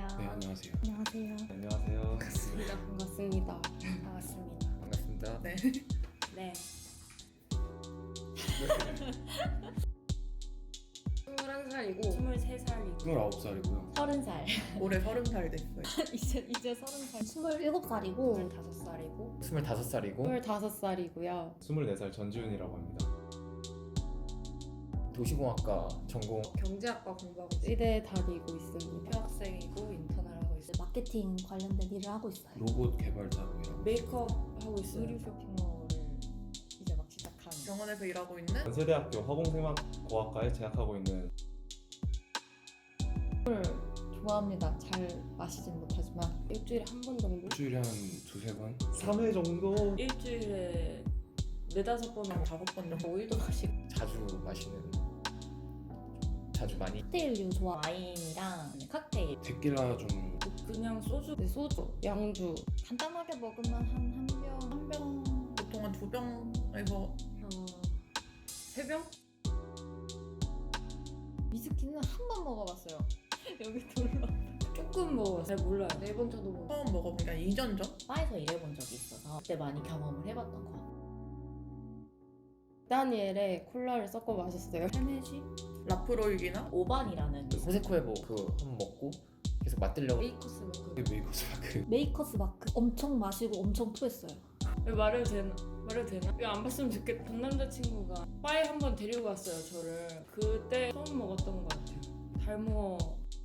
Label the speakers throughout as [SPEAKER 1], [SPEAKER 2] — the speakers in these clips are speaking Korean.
[SPEAKER 1] 안녕하세요.
[SPEAKER 2] 네, 안녕하세요.
[SPEAKER 1] 안녕하세요.
[SPEAKER 3] 안녕하세요.
[SPEAKER 2] 반갑습니다.
[SPEAKER 1] 반갑습니다.
[SPEAKER 2] 반갑습니다.
[SPEAKER 3] 반갑습니다.
[SPEAKER 1] 네.
[SPEAKER 2] 네. 21살이고 23살이고
[SPEAKER 3] 29살이고요.
[SPEAKER 1] 30살.
[SPEAKER 4] 올해 30살 됐어요.
[SPEAKER 1] 이제 30살. 27살이고
[SPEAKER 2] 25살이고
[SPEAKER 3] 25살이고
[SPEAKER 1] 25살이고요.
[SPEAKER 3] 24살 전지훈이라고 합니다. 도시공학과 전공
[SPEAKER 2] 경제학과 공부하고 있어요.
[SPEAKER 1] 의대 다니고 있습니다.
[SPEAKER 2] 휴학생이고 인턴을 하고 있어요.
[SPEAKER 5] 마케팅 관련된 일을 하고 있어요.
[SPEAKER 3] 로봇 개발자고 일하고
[SPEAKER 2] 메이크업 하고 있어요.
[SPEAKER 1] 의류 쇼핑몰을 이제 막 시작한.
[SPEAKER 4] 병원에서 일하고 있는
[SPEAKER 3] 연세대학교 화공생명공학과에 재학하고 있는
[SPEAKER 1] 좋아합니다. 잘 마시진 못하지만
[SPEAKER 2] 일주일에 한 번 정도?
[SPEAKER 3] 일주일에 한 두세 번? 3회 정도?
[SPEAKER 2] 일주일에 4-5번은
[SPEAKER 4] 5번 정도.
[SPEAKER 2] 5일도 마시고
[SPEAKER 3] 자주 마시는 자주 많이
[SPEAKER 5] 칵테일류 좋아.
[SPEAKER 1] 와인이랑 칵테일
[SPEAKER 3] 데킬라 좀
[SPEAKER 2] 그냥 소주
[SPEAKER 1] 네, 소주, 양주
[SPEAKER 5] 간단하게 먹으면 한 병.
[SPEAKER 4] 한 병, 보통 한 2병에서
[SPEAKER 2] 3병?
[SPEAKER 1] 위스키는 한 번 먹어봤어요. 여기 둘러.
[SPEAKER 2] 조금 먹어요. 잘 몰라요. 4번 정도 먹어요.
[SPEAKER 4] 처음 먹어보니까 2년 전?
[SPEAKER 1] 바에서 일해본 적이 있어서 그때 많이 경험을 해봤던 것 같아요. 다니엘에 콜라를 섞어 마셨어요.
[SPEAKER 2] 헤네시?
[SPEAKER 4] 라프로이기나?
[SPEAKER 1] 오반이라는
[SPEAKER 3] 호세코에보 그거 한번 먹고 계속 맛들려고
[SPEAKER 2] 메이커스 마크.
[SPEAKER 3] 메이커스 마크
[SPEAKER 5] 메이커스 마크 엄청 마시고 엄청 토했어요.
[SPEAKER 2] 말해도 되나? 이거 안 봤으면 좋겠다. 전 남자친구가 바에 한 번 데리고 갔어요, 저를. 그때 처음 먹었던 것 같아요. 달무어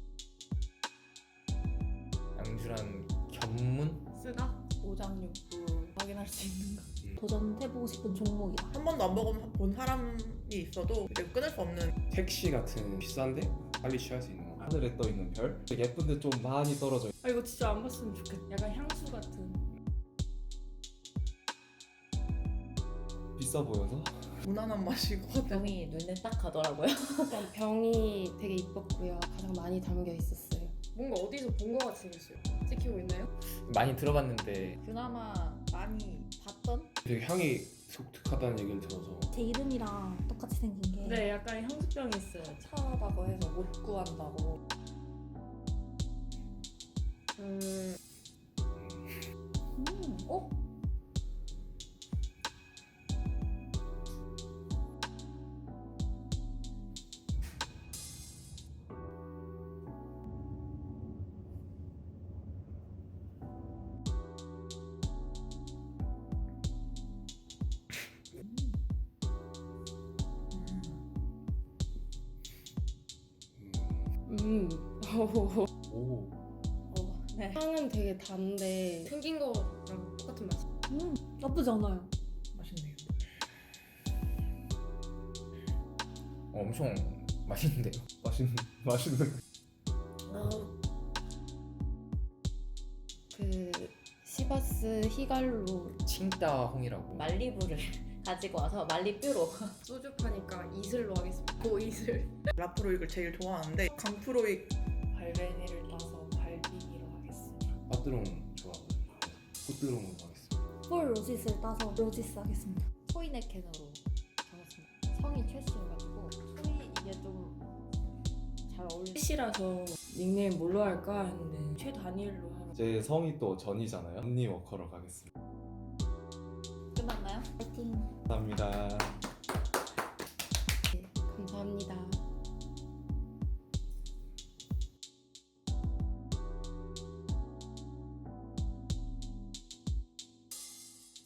[SPEAKER 3] 양주란 견문?
[SPEAKER 2] 쓰다?
[SPEAKER 1] 오장육부 확인할 수 있는 거.
[SPEAKER 5] 도전해보고 싶은 종목이다.
[SPEAKER 4] 한 번도 안 먹어본 사람이 있어도 이제 끊을 수 없는
[SPEAKER 3] 택시 같은 비싼데 빨리 취할 수 있는 거 하늘에 떠있는 별? 예쁜데 좀 많이 떨어져
[SPEAKER 2] 아 이거 진짜 안 봤으면 좋겠다. 약간 향수 같은.
[SPEAKER 3] 비싸 보여서
[SPEAKER 4] 무난한 맛이고
[SPEAKER 1] 병이 눈에 딱 가더라고요.
[SPEAKER 5] 일단 병이 되게 이뻤고요. 가장 많이 담겨 있었어요.
[SPEAKER 2] 뭔가 어디서 본 것 같이 생겼어요. 찍히고 있나요?
[SPEAKER 3] 많이 들어봤는데
[SPEAKER 1] 그나마 많이 봤던?
[SPEAKER 3] 되게 향이 독특하다는 얘기를 들어서
[SPEAKER 5] 제 이름이랑 똑같이 생긴 게
[SPEAKER 2] 네, 약간 향수병이 있어요.
[SPEAKER 1] 차다고 해서 못 구한다고.
[SPEAKER 5] 어?
[SPEAKER 3] 오
[SPEAKER 1] 네.
[SPEAKER 2] 향은 되게 단데 생긴 거랑 똑같은 맛이.
[SPEAKER 5] 나쁘지 않아요.
[SPEAKER 4] 맛있네요.
[SPEAKER 3] 엄청 맛있는데요? 맛있는
[SPEAKER 5] 그 시바스 히갈로
[SPEAKER 3] 칭따홍이라고
[SPEAKER 1] 말리부를 가지고 와서 말리뷰로
[SPEAKER 2] 소주 파니까 이슬로 하겠습니다. 고이슬.
[SPEAKER 4] 라프로이를 제일 좋아하는데 강프로이
[SPEAKER 1] 발베니를 따서 발비니로 하겠습니다.
[SPEAKER 3] 빠뜨롱 좋아하거든요 꽃뜨롱으로 하겠습니다
[SPEAKER 5] 폴 로짓을 따서 로지스 하겠습니다.
[SPEAKER 1] 소이네 캔으로 적었습니다. 성이 최씨여가지고 소이 이게 좀 잘 어울리는
[SPEAKER 2] 셋이라서 닉네임 뭘로 할까 했는데 최다니엘로 하고.
[SPEAKER 3] 제 성이 또 전이잖아요 언니 워커로 가겠습니다
[SPEAKER 1] 끝났나요?
[SPEAKER 5] 파이팅.
[SPEAKER 3] 감사합니다
[SPEAKER 5] 네, 감사합니다.